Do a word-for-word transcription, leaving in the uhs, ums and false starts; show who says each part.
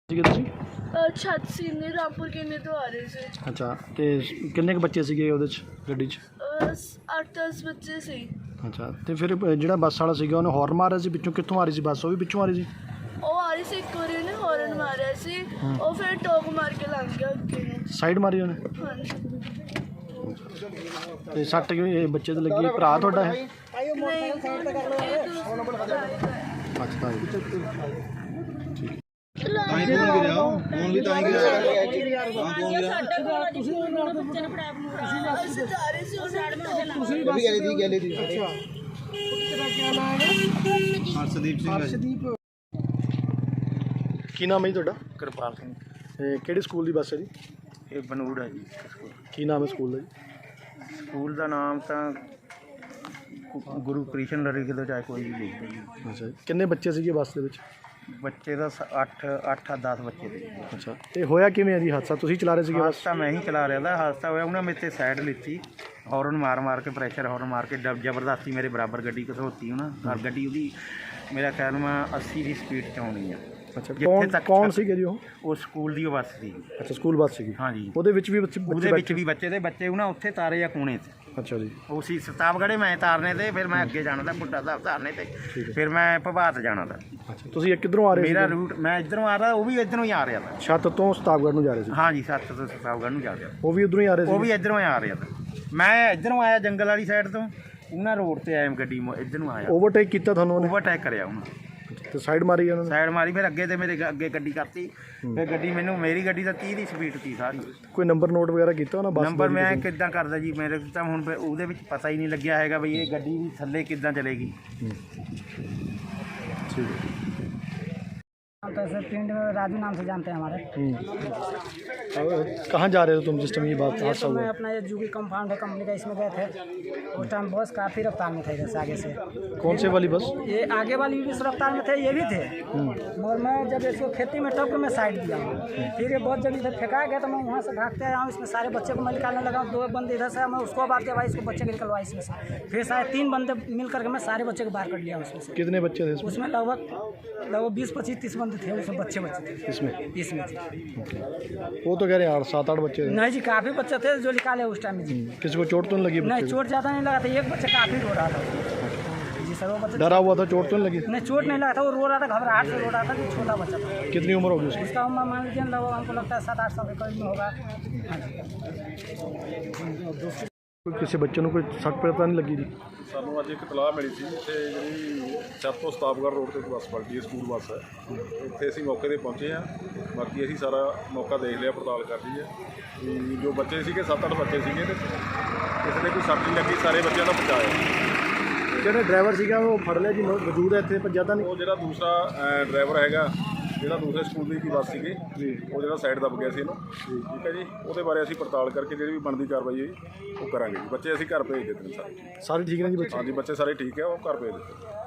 Speaker 1: ਸੀਗੇ ਤੁਸੀਂ?
Speaker 2: ਛੱਤ ਸੀ ਨੇ ਰਾਮਪੁਰ ਕਿੰਨੇ ਤੋਂ ਆ ਰਹੇ ਸੀ।
Speaker 1: ਅੱਛਾ, ਤੇ ਕਿੰਨੇ ਕੁ ਬੱਚੇ ਸੀਗੇ ਉਹਦੇ 'ਚ ਗੱਡੀ 'ਚ?
Speaker 2: ਅੱਠ ਦਸ ਬੱਚੇ ਸੀ।
Speaker 1: ਅੱਛਾ, ਤੇ ਫਿਰ ਜਿਹੜਾ ਬੱਸ ਵਾਲਾ ਸੀਗਾ ਉਹਨੇ ਹੌਰਨ ਮਾਰਿਆ ਸੀ ਪਿੱਛੋਂ? ਕਿੱਥੋਂ ਆ ਰਹੀ ਸੀ ਬੱਸ? ਉਹ ਵੀ ਪਿੱਛੋਂ ਆ ਰਹੀ ਸੀ?
Speaker 2: ਉਹ ਆ ਰਹੀ ਸੀ, ਇੱਕ ਵਾਰੀ ਉਹਨੇ ਹੌਰਨ ਮਾਰਿਆ ਸੀ, ਉਹ ਫਿਰ ਟੋਕ ਮਾਰ ਕੇ ਲੰਘ ਗਿਆ ਅੱਗੇ ਨੂੰ।
Speaker 1: ਸਾਈਡ ਮਾਰੀ ਉਹਨੇ?
Speaker 2: ਹਾਂਜੀ।
Speaker 1: ਤੇ ਸੱਟ ਇਹ ਬੱਚੇ ਤੇ ਲੱਗੀ? ਭਰਾ ਤੁਹਾਡਾ ਹੈ?
Speaker 2: ਨਹੀਂ,
Speaker 1: ਅੱਛਾ ਜੀ,
Speaker 3: ਤਾਂ ਹੀ ਫੋਨ ਗਿਰਿਆ ਫੋਨ ਵੀ ਤਾਂ ਹੀ ਗਿਰਿਆ ਹਾਂ ਫੋਨ ਗਿਰਿਆ
Speaker 2: ਅਸੀਂ ਜਾ ਰਹੇ ਸੀ
Speaker 3: ਤੁਸੀਂ ਵੀ ਗਏ ਸੀ ਗਏ ਸੀ ਅੱਛਾ ਤੇਰਾ ਕੀ ਨਾਮ ਹੈ? ਹਰਸ਼ਦੀਪ ਸਿੰਘ ਹਰਸ਼ਦੀਪ।
Speaker 1: ਕੀ ਨਾਮ ਹੈ ਜੀ ਤੁਹਾਡਾ?
Speaker 4: ਕਿਰਪਾਲ ਸਿੰਘ।
Speaker 1: ਤੇ ਕਿਹੜੇ ਸਕੂਲ ਦੀ ਬੱਸ ਹੈ ਜੀ?
Speaker 4: ਇਹ ਬਨੂੜ ਹੈ ਜੀ ਸਕੂਲ।
Speaker 1: ਕੀ ਨਾਮ ਹੈ ਸਕੂਲ ਦਾ ਜੀ?
Speaker 4: ਸਕੂਲ ਦਾ ਨਾਮ ਤਾਂ ਗੁਰੂ ਕ੍ਰਿਸ਼ਨ ਲੜੀ ਕਿਲੋ ਚਾਹੇ ਕੋਈ ਵੀ ਲਿਖ ਦੇ ਜੀ।
Speaker 1: ਅੱਛਾ ਜੀ, ਕਿੰਨੇ ਬੱਚੇ ਸੀਗੇ ਬੱਸ ਦੇ ਵਿੱਚ?
Speaker 4: ਬੱਚੇ ਦਾ ਅੱਠ ਅੱਠ ਆ ਦਸ ਬੱਚੇ ਦੇ।
Speaker 1: ਅੱਛਾ, ਤੇ ਹੋਇਆ ਕਿਵੇਂ ਹੈ ਜੀ ਹਾਦਸਾ? ਤੁਸੀਂ ਚਲਾ ਰਹੇ ਸੀਗੇ ਬੱਸ?
Speaker 4: ਹਾਦਸਾ ਮੈਂ ਹੀ ਚਲਾ ਰਿਹਾ ਦਾ ਹਾਦਸਾ ਹੋਇਆ ਉਹਨਾਂ ਮੇਰੇ 'ਤੇ ਸਾਈਡ ਲਿੱਤੀ, ਹੌਰਨ ਮਾਰ ਮਾਰ ਕੇ ਪ੍ਰੈਸ਼ਰ ਹੌਰਨ ਮਾਰ ਕੇ ਜ- ਜ਼ਬਰਦਸਤੀ ਮੇਰੇ ਬਰਾਬਰ ਗੱਡੀ ਘਸੋਤੀ ਉਹਨਾਂ ਔਰ ਗੱਡੀ ਉਹਦੀ ਮੇਰਾ ਖਿਆਲ ਮੈਂ ਅੱਸੀ ਦੀ ਸਪੀਡ 'ਚ ਆਉਣੀ ਆ।
Speaker 1: ਅੱਛਾ,
Speaker 4: ਜਿੱਥੇ
Speaker 1: ਕੌਣ
Speaker 4: ਤੱਕ
Speaker 1: ਕੌਣ ਸੀਗੇ ਜੀ ਉਹ?
Speaker 4: ਉਹ ਸਕੂਲ ਦੀ ਬੱਸ ਸੀ।
Speaker 1: ਅੱਛਾ, ਸਕੂਲ ਬੱਸ ਸੀਗੀ।
Speaker 4: ਹਾਂਜੀ,
Speaker 1: ਉਹਦੇ ਵਿੱਚ ਵੀ ਬੱਚੇ
Speaker 4: ਉਹਦੇ ਵਿੱਚ ਵੀ ਬੱਚੇ ਦੇ ਬੱਚੇ ਉਹਨਾਂ ਉੱਥੇ ਤਾਰੇ ਆ ਕੋਣੇ 'ਤੇ।
Speaker 1: ਅੱਛਾ ਜੀ,
Speaker 4: ਉਹ ਸੀ ਸਤਾਬਗੜ੍ਹੇ ਮੈਂ ਤਾਰਨੇ ਤੇ, ਫਿਰ ਮੈਂ ਅੱਗੇ ਜਾਣਾ ਤਾਂ ਬੁੱਢਾ ਸਾਹਿਬ ਤਾਰਨੇ ਤੇ, ਫਿਰ ਮੈਂ ਪ੍ਰਭਾਤ ਜਾਣਾ ਤਾਂ।
Speaker 1: ਅੱਛਾ, ਤੁਸੀਂ ਇਹ ਕਿੱਧਰੋਂ ਆ ਰਹੇ ਸੀ?
Speaker 4: ਮੇਰਾ ਰੂਟ ਮੈਂ ਇੱਧਰੋਂ ਆ ਰਿਹਾ, ਉਹ ਵੀ ਇੱਧਰੋਂ ਹੀ ਆ ਰਿਹਾ ਤਾਂ।
Speaker 1: ਛੱਤ ਤੋਂ ਸਤਾਬਗੜ੍ਹ ਨੂੰ ਜਾ ਰਹੇ ਸੀ?
Speaker 4: ਹਾਂਜੀ, ਸੱਤ ਤੋਂ ਸਤਾਬਗੜ੍ਹ ਨੂੰ ਜਾ ਰਿਹਾ।
Speaker 1: ਉਹ ਵੀ ਉਧਰੋਂ ਹੀ ਆ ਰਹੇ ਸੀ?
Speaker 4: ਉਹ ਵੀ ਇੱਧਰੋਂ ਹੀ ਆ ਰਿਹਾ ਤਾਂ। ਮੈਂ ਇੱਧਰੋਂ ਆਇਆ ਜੰਗਲ ਵਾਲੀ ਸਾਈਡ ਤੋਂ, ਉਹਨਾਂ ਰੋਡ ਤੇ ਆਇਆ ਗੱਡੀ ਇੱਧਰ ਨੂੰ ਆਇਆ।
Speaker 1: ਓਵਰਟੇਕ ਕੀਤਾ ਤੁਹਾਨੂੰ ਉਹਨੇ?
Speaker 4: ਓਵਰਟੇਕ ਕਰਿਆ ਉਹਨੂੰ,
Speaker 1: ਤੇ ਸਾਈਡ ਮਾਰੀ ਉਹਨਾਂ ਨੇ?
Speaker 4: ਸਾਈਡ ਮਾਰੀ, ਫਿਰ ਅੱਗੇ ਤੇ ਮੇਰੇ ਗ- ਅੱਗੇ ਗੱਡੀ ਕਰਤੀ, ਫਿਰ ਗੱਡੀ ਮੈਨੂੰ ਮੇਰੀ ਗੱਡੀ ਤਾਂ ਤੀਹ ਦੀ ਸਪੀਡ ਸੀ ਸਾਰੀ।
Speaker 1: ਕੋਈ ਨੰਬਰ ਨੋਟ ਵਗੈਰਾ ਕੀਤਾ ਉਹਨਾਂ ਬੱਸ ਦਾ?
Speaker 4: ਨੰਬਰ ਮੈਂ ਕਿੱਦਾਂ ਕਰਦਾ ਜੀ, ਮੇਰੇ ਤਾਂ ਹੁਣ ਫਿਰ ਉਹਦੇ ਵਿੱਚ ਪਤਾ ਹੀ ਨਹੀਂ ਲੱਗਿਆ ਹੈਗਾ ਬਈ ਇਹ ਗੱਡੀ ਵੀ ਥੱਲੇ ਕਿੱਦਾਂ ਚਲੇਗੀ।
Speaker 1: ठीक है।
Speaker 5: तो ऐसे पिंड में राजू नाम से जानते हैं हमारे।
Speaker 1: कहाँ जा रहे हो तुम जिस टाइम ये बात
Speaker 5: ये
Speaker 1: हादसा
Speaker 5: तो मैं
Speaker 1: हुआ?
Speaker 5: अपना ये जूगी कंपाउंड है कंपनी का, इसमें गए थे। उस टाइम बस काफ़ी रफ्तार में थे इधर से आगे से।
Speaker 1: कौन से वाली बस?
Speaker 5: ये आगे वाली भी इस रफ्तार में थे, ये भी थे, मगर मैं जब इसको खेती में टप के मैं साइड दिया हूँ। फिर ये बहुत जब इधर फेंका गया तो मैं वहाँ से भागते आया हूँ, इसमें सारे बच्चे को मैं निकालने लगा। दो बंदे इधर से, मैं उसको बात किया भाई इसको बच्चे को निकलवा इसमें से। फिर सारे तीन बंदे मिल करके मैं सारे बच्चे को बाहर कर लिया उसमें से।
Speaker 1: कितने बच्चे थे इसमें?
Speaker 5: उसमें लगभग लगभग बीस पच्चीस तीस बंदे थे, उसमें बच्चे बच्चे थे
Speaker 1: इसमें?
Speaker 5: इसमें थे।
Speaker 1: वो तो कह रहे हैं आठ सात आठ बच्चे थे।
Speaker 5: नहीं जी, काफ़ी बच्चे थे जो निकाले उस टाइम में जी।
Speaker 1: किसी को चोट तो नहीं लगी?
Speaker 5: नहीं,
Speaker 1: बच्चे
Speaker 5: चोट ज़्यादा नहीं लगा था, एक बच्चा काफ़ी रो रहा था जी सर। वो बच्चा
Speaker 1: डरा हुआ था, चोट तो नहीं लगी?
Speaker 5: नहीं, चोट नहीं लगा था, वो रो रहा था, घबराहट से रो रहा था कि छोटा बच्चा था।
Speaker 1: कितनी उम्र होगी उसकी?
Speaker 5: उसका उम्र मान लीजिए लगभग हमको लगता है सात आठ साल के करीब में होगा।
Speaker 1: कोई किसी बच्चे को कोई सट पता नहीं लगी जी?
Speaker 6: ਸਾਨੂੰ ਅੱਜ ਇੱਕ ਇਤਲਾਹ ਮਿਲੀ ਸੀ ਇੱਥੇ ਜਿਹੜੀ ਛੱਤ ਤੋਂ ਸਤਾਬਗੜ੍ਹ ਰੋਡ ਤੇ ਇੱਕ ਬੱਸ ਪਲਟੀ ਹੈ, ਸਕੂਲ ਬੱਸ ਹੈ। ਇੱਥੇ ਅਸੀਂ ਮੌਕੇ ਤੇ ਪਹੁੰਚੇ ਹਾਂ, ਬਾਕੀ ਅਸੀਂ ਸਾਰਾ ਮੌਕਾ ਦੇਖ ਲਿਆ, ਪੜਤਾਲ ਕਰ ਲਈ ਹੈ ਵੀ ਜੋ ਬੱਚੇ ਸੀਗੇ ਸੱਤ ਅੱਠ ਬੱਚੇ ਸੀਗੇ ਤੇ ਕਿਸੇ ਦੇ ਕੋਈ ਸੱਟ ਨਹੀਂ ਲੱਗੀ, ਸਾਰੇ ਬੱਚਿਆਂ ਦਾ ਬਚਾਅ।
Speaker 1: ਜਿਹੜਾ ਡਰਾਈਵਰ ਸੀਗਾ ਉਹ ਫੜ ਲਿਆ ਜੀ? ਮੌਜੂਦ ਹੈ ਇੱਥੇ ਪੰਜਾ ਤਾਂ ਨਹੀਂ?
Speaker 6: ਉਹ ਜਿਹੜਾ ਦੂਸਰਾ ਡਰਾਈਵਰ ਹੈਗਾ, ਜਿਹੜਾ ਦੂਸਰੇ ਸਕੂਲ ਦੀ ਬੱਸ ਸੀਗੀ ਜੀ, ਉਹ ਜਿਹੜਾ ਸਾਈਡ ਦੱਬ ਗਿਆ ਸੀ ਇਹਨੂੰ, ਠੀਕ ਹੈ ਜੀ। ਉਹਦੇ ਬਾਰੇ ਅਸੀਂ ਪੜਤਾਲ ਕਰਕੇ ਜਿਹੜੀ ਵੀ ਬਣਦੀ ਕਾਰਵਾਈ ਹੈ ਉਹ ਕਰਾਂਗੇ ਜੀ। ਬੱਚੇ ਅਸੀਂ ਘਰ ਭੇਜ ਦਿੱਤੇ ਨੇ ਸਾਰੇ।
Speaker 1: ਸਾਰੇ ਠੀਕ ਨੇ ਜੀ ਬੱਚੇ?
Speaker 6: ਹਾਂਜੀ, ਬੱਚੇ ਸਾਰੇ ਠੀਕ ਹੈ, ਉਹ ਘਰ ਭੇਜ ਦਿੱਤੇ।